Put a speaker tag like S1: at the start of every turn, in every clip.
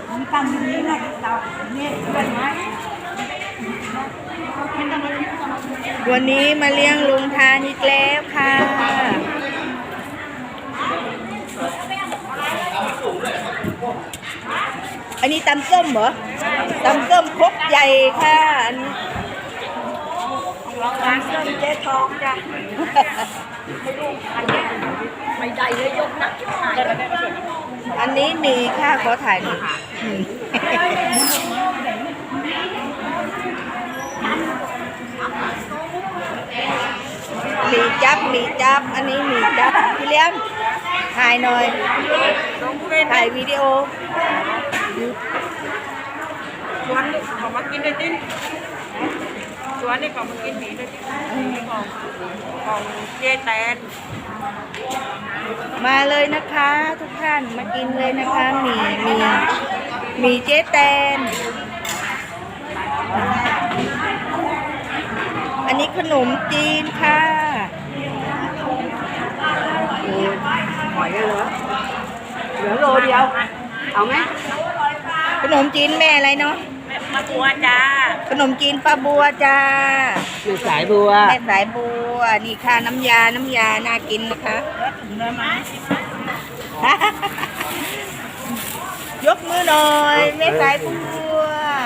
S1: มันตั้งอย่างนี้นะเตาเนี่ยเป็นไม้
S2: วันนี้มาเลี้ยงลุงทานอีกแล้วค่ะอันนี้ตำส้มเหรอตำส้มครกใหญ่ค่ะอันนี้
S1: ร้านส้มเจ๊ทองจ้ะไม่ได้เลยยกนักถ่าย
S2: อันนี้มีค่ะขอถ่ายหน่อยมีจับอันนี้มีจับพี่เลี้ยงถ่ายหน่อยถ่ายวิดีโอ
S1: ชวนเขามากินได้ดิ้นชวนนี่เขามากินหมี่ได้ดิ้นของเจ๊แตน
S2: มาเลยนะคะทุกท่านมากินเลยนะคะมีเจ๊แตนอันนี้ขนมจีนค่ะ
S1: หอยเหลือโลเดียวเอาไหม
S2: ขนมจีนแม่อะไรเนาะ
S1: ป้าบัวจ้า
S2: ขนมจีนป้าบัวจ้า
S1: แม่สายบัว
S2: แม่สายบัวนี่ค่ะน้ำยาน่ากินนะคะยกมือหน่อยแม่สายบัว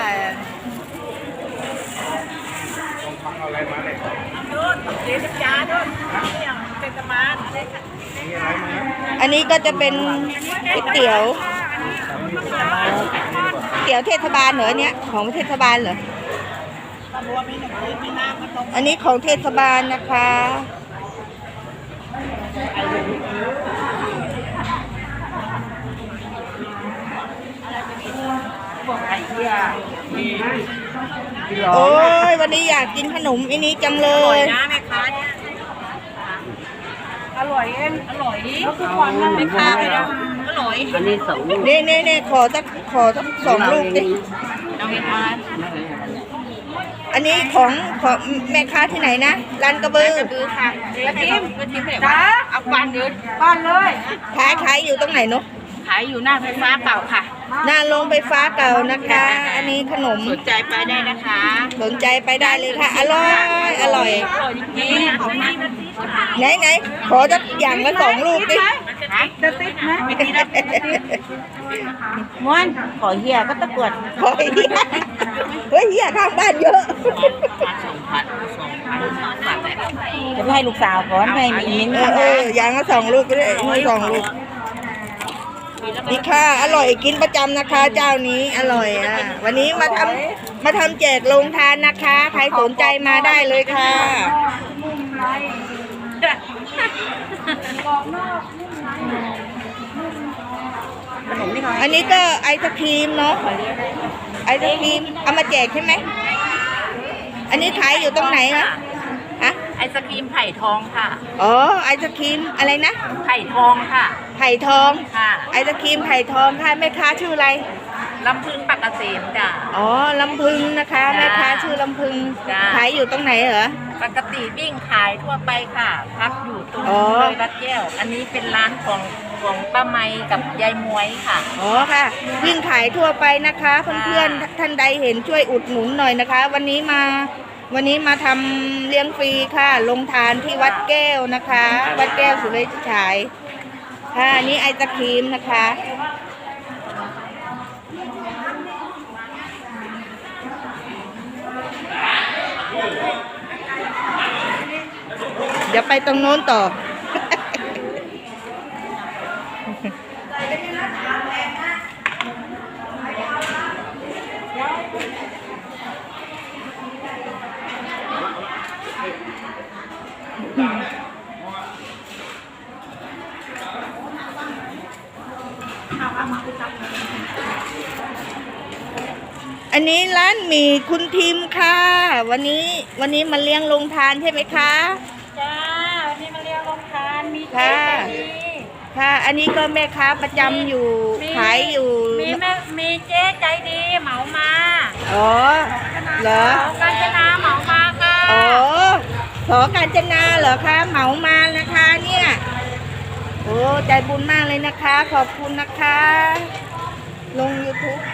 S2: อันนี้ก็จะเป็นก๋วยเตี๋ยวเทศบาลเหรอเนี่ยของเทศบาลเหรออันนี้ของเทศบาลนะคะโอ้ยวันนี้อยากกินขนมอันนี้จังเลย
S1: นะแม่ค้าอร่อยเองอร่อยแล้วคือความแม่ค้าเลยนะอร่อยอันนี้2 ลูก
S2: นี่ขอสัก2 ลูกดิ
S1: น้องเอ็นอาร์
S2: อันนี้ของแม่ค้าที่ไหนนะร้านกระบือ
S1: ค่ะกระทิมจ้าเอาบ้านเดินบ้านเลย
S2: ขายอยู่ตรงไหนเนาะ
S1: ขายอยู่หน้าไฟฟ้าเก่าค่ะ
S2: หน้าโรงไฟฟ้าเก่านะคะอันนี้ขนม
S1: สนใจไปได้นะคะ
S2: สนใจไปได้เลยค่ะอร่อย
S1: จริง
S2: ไหนขอสักอย่างละ2 ลูกดิ
S1: จะติดไหมม้วนขอเฮียก็ตะกวด
S2: ขอเฮียเฮียข้างบ้านเยอะ
S1: จะให้ลูกสาวก่อนให้มีมิ้น
S2: อย่างละ2 ลูกก็ได้2 ลูกนี่ค่ะอร่อยกินประจำนะคะเจ้านี้อร่อยวันนี้มาทำแจกโรงทานนะคะใครสนใจมาได้เลยค่ะอันนี้ก็ไอศครีมเนาะไอศครีมเอามาแจกใช่ไหมอันนี้ขายอยู่ตรงไหนคะ
S1: ไอศครีมไผ่ทองค่ะ
S2: อ๋อไอศครีมอะไรนะ
S1: ไผ่ทองค่ะ
S2: ไผ่ทอง
S1: ค่ะ
S2: ไอศครีมไผ่ทองค่ะแม่ค้าชื่ออะไร
S1: ลำพึงปากเกษมจ้ะ
S2: อ๋อลำพึงนะคะแม่ค้าชื่อลำพึงขายอยู่ตรงไหนเหรอ
S1: ปกติวิ่งขายทั่วไปค่ะพักอยู่ตรงเลยวัดแก้วอันนี้เป็นร้านของป้าไมกับยายมวยค่ะ
S2: อ๋อค่ะวิ่งขายทั่วไปนะคะเพื่อนๆท่านใดเห็นช่วยอุดหนุนหน่อยนะคะวันนี้มาทำเลี้ยงฟรีค่ะลงทานที่วัดแก้วนะคะวัดแก้วสุริฉายค่ะนี่ไอศครีมนะคะเดี๋ยวไปตรงโน้นต่ออันนี้ร้านหมี่คุณทิมค่ะวันนี้มาเลี้ยงลงทานใช่ไหมคะ
S1: จ้าวันนี้มาเลี้ยงลงทานมี
S2: ค่ะอันนี้ก็แม่ค้าประจำอยู่ขายอยู่
S1: มีเจ๊ใจดีเหมามา
S2: อ๋อเหรอ
S1: กาญจนาเหมามาค่ะ
S2: อ๋อขอกาญจนาเหรอคะเหมามานะคะเนี่ยโอ้ใจบุญมากเลยนะคะขอบคุณนะคะลง YouTube